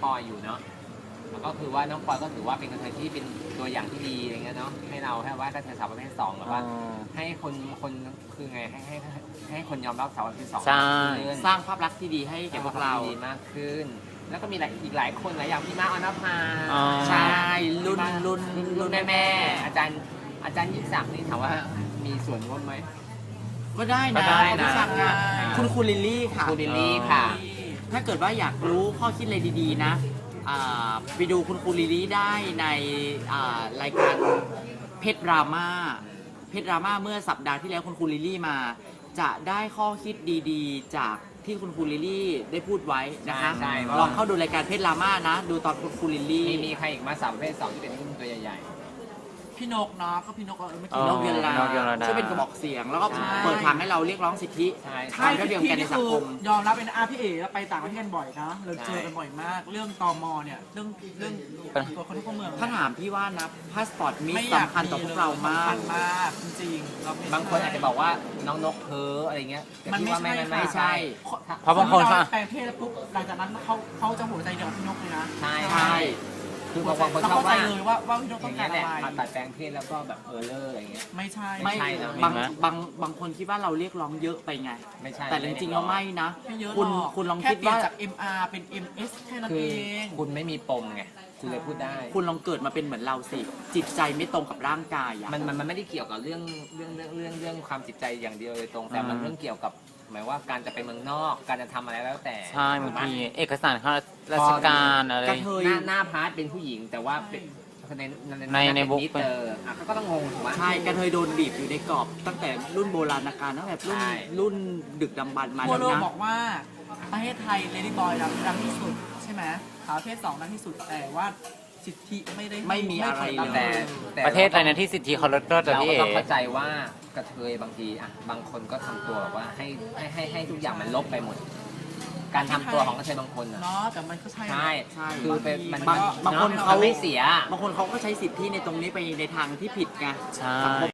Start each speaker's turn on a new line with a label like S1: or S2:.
S1: ปอยอยู่เนาะแล้วก็คือว่าน้องปอยก็ถือว่าเป็นกระเทยที่เป็นตัวอย่างที่ดีอะไรเงี้ยเนาะให้เราให้ว่ากระเทยสาวประเภท2แบบว่าให้คนคือไงให้คนยอมรับสาวประเภท2
S2: ใช่
S3: สร้างภาพลักษณ์ที่ดีให้แก่พวกเรา
S1: ดีมากขึ้น แล้วก็มีอีกหลายคนหลายอย่างพี่ม้าออนภา
S3: ใช่รุ่นแม่
S1: อาจารย์ยิ่งศักดิ์นี่ถามว่ามีส่วนร่วมไหม
S3: ก็ได้นะ
S1: ก็ได้นะ
S3: รู้จักงคุณครูลิลลี่ค่ะ
S1: ครูลิลลี่ค่ะ
S3: ถ้าเกิดว่าอยากรู้ข้อคิดอะไรดีๆนะไปดูคุณครูลิลลี่ได้ในรายการเพชรดราม่าเมื่อสัปดาห์ที่แล้วคุณครูลิลลี่มาจะได้ข้อคิดดีๆ จากที่คุณครูลิลลี่ได้พูดไว้นะคะ
S1: ใช่
S3: ลองเข้าดูรายการเพชรดราม่านะดูตอนคุณครูลิลลี่
S1: มีใครอีกมาสาวประเภท2ที่เป็นรุ่นตัวใหญ่
S4: พี่นกเนาะก็พี่นกเมื่อ
S3: พี่
S4: กี้
S3: นกเวียนลาน
S2: กเวียนลา
S3: ช่วยเป็นกระบอกเสียง แล้วก็
S1: ใช่
S3: เปิดทางให้เราเรียกร้องสิทธิ
S1: ๆใช่
S4: ใช่
S3: ความเท่าเทียมกันในสังคม
S4: ยอมรับเป็นพี่เอ๋เราไปต่างประเทศกันบ่อยนะเราเจอกันบ่อยมาก เรื่องตมเนี่ยเรื่องตัวคนทุกคนเมือง
S3: ถ้าถามพี่ว่านะพาสปอร์ตมิส
S4: ไม่อยาก
S3: สำคัญต่อพวกเรามาก
S4: สำคัญมากจริงๆเราไม่
S1: บางคนอาจจะบอกว่าน้องนกเพ้ออะไรเงี้ยแต่
S4: มัน
S1: พี่
S4: ไม่
S1: ว่า
S4: ใช่
S1: ไม่ใช่
S2: เพราะบางคน
S4: เขา
S2: เขา
S4: แปลงเพศแล้วปุ๊บหลังจากนั้นเขาจะหัวใจเดียวกับพี่นกเลยนะ
S1: ใช่
S3: ใช่
S1: คือบางคน
S4: เรา
S1: ชอบ
S4: เข้าใจ
S1: ว่า
S4: เลยว่าพี่นก
S1: อ
S4: ต้อย่าง ง
S1: เงี้
S4: การ
S1: ยแห
S4: อะ
S1: ละ
S4: ไร
S1: ผ่าตัดแปลงเพศแล้วก็แบบเลอร์อะไรเงี้ย
S4: ไม่ใช่
S3: ไม่
S1: ใช่นะ
S3: บางคนคิดว่าเราเรียกร้องเยอะไปไง
S1: ไม่ใช่
S3: แต่จริงๆแล้วไม่นะ
S4: ไม่เยอะหร
S3: คุณ
S4: อก
S3: คุณลอง
S4: แค่
S3: คิด
S4: เปลี่ย
S3: ว่าน
S4: จาก MR เป็น MS แค่นั้น
S1: คือ
S4: เอง
S1: คุณไม่มีปมไงคุณเลยพูดได้
S3: คุณลองเกิดมาเป็นเหมือนเราสิ จิตใจไม่ตรงกับร่างกายอะ
S1: มันไม่ได้เกี่ยวกับเรื่องความจิตใจอย่างเดียวโดยตรง แต่มันเรื่องเกี่ยวกับหมายว่าการจะไปเมืองนอกการจะทำอะไรแล้วแต่
S2: ใช่บางทีเอกสารข้าราชการอะไร
S3: กระเทย
S1: หน้าพาร์ทเป็นผู้หญิงแต่ว่าเป็น
S2: ในบุ๊ก
S1: มิเตอร์อ่ะเขาก็ต้องงงถูกไหม
S3: ใช่กระเทยโดนบีบอยู่ในกรอบ ตั้งแต่รุ่นโบราณกาลตั้งแต่รุ่น
S1: ใช่
S3: รุ่นดึกดำบรรพ์มา
S4: ทั่ว
S3: แล้ว
S4: โลก
S3: นะ
S4: บอกว่าประเทศไทยเลดี้บอยดังที่สุดใช่ไหมสาวประเภท2ดังที่สุดแต่ว่าสิทธิไม่มีอะไรเลย
S1: แต่
S2: ประเทศอะไรนะที่สิทธิเขาลดแต่
S1: เรา
S2: พี่
S1: ก็
S2: เอ๋
S1: ต้องเข้าใจว่ากระเทยบางทีอ่ะบางคนก็ทำตัวแบบว่าให้ทุกอย่างมันลบไปหมด การทำตัวของกระเทยบางคนอ่ะ
S4: เนาะแต่มันก็ใช่
S1: ใช่
S3: ใช่
S1: คือเป็นมัน
S3: บางคนเขา
S1: ไม่เสีย
S3: บางคนเขาก็ใช้สิทธิในตรงนี้ไปในทางที่ผิดไง
S2: ใช่
S3: สังคม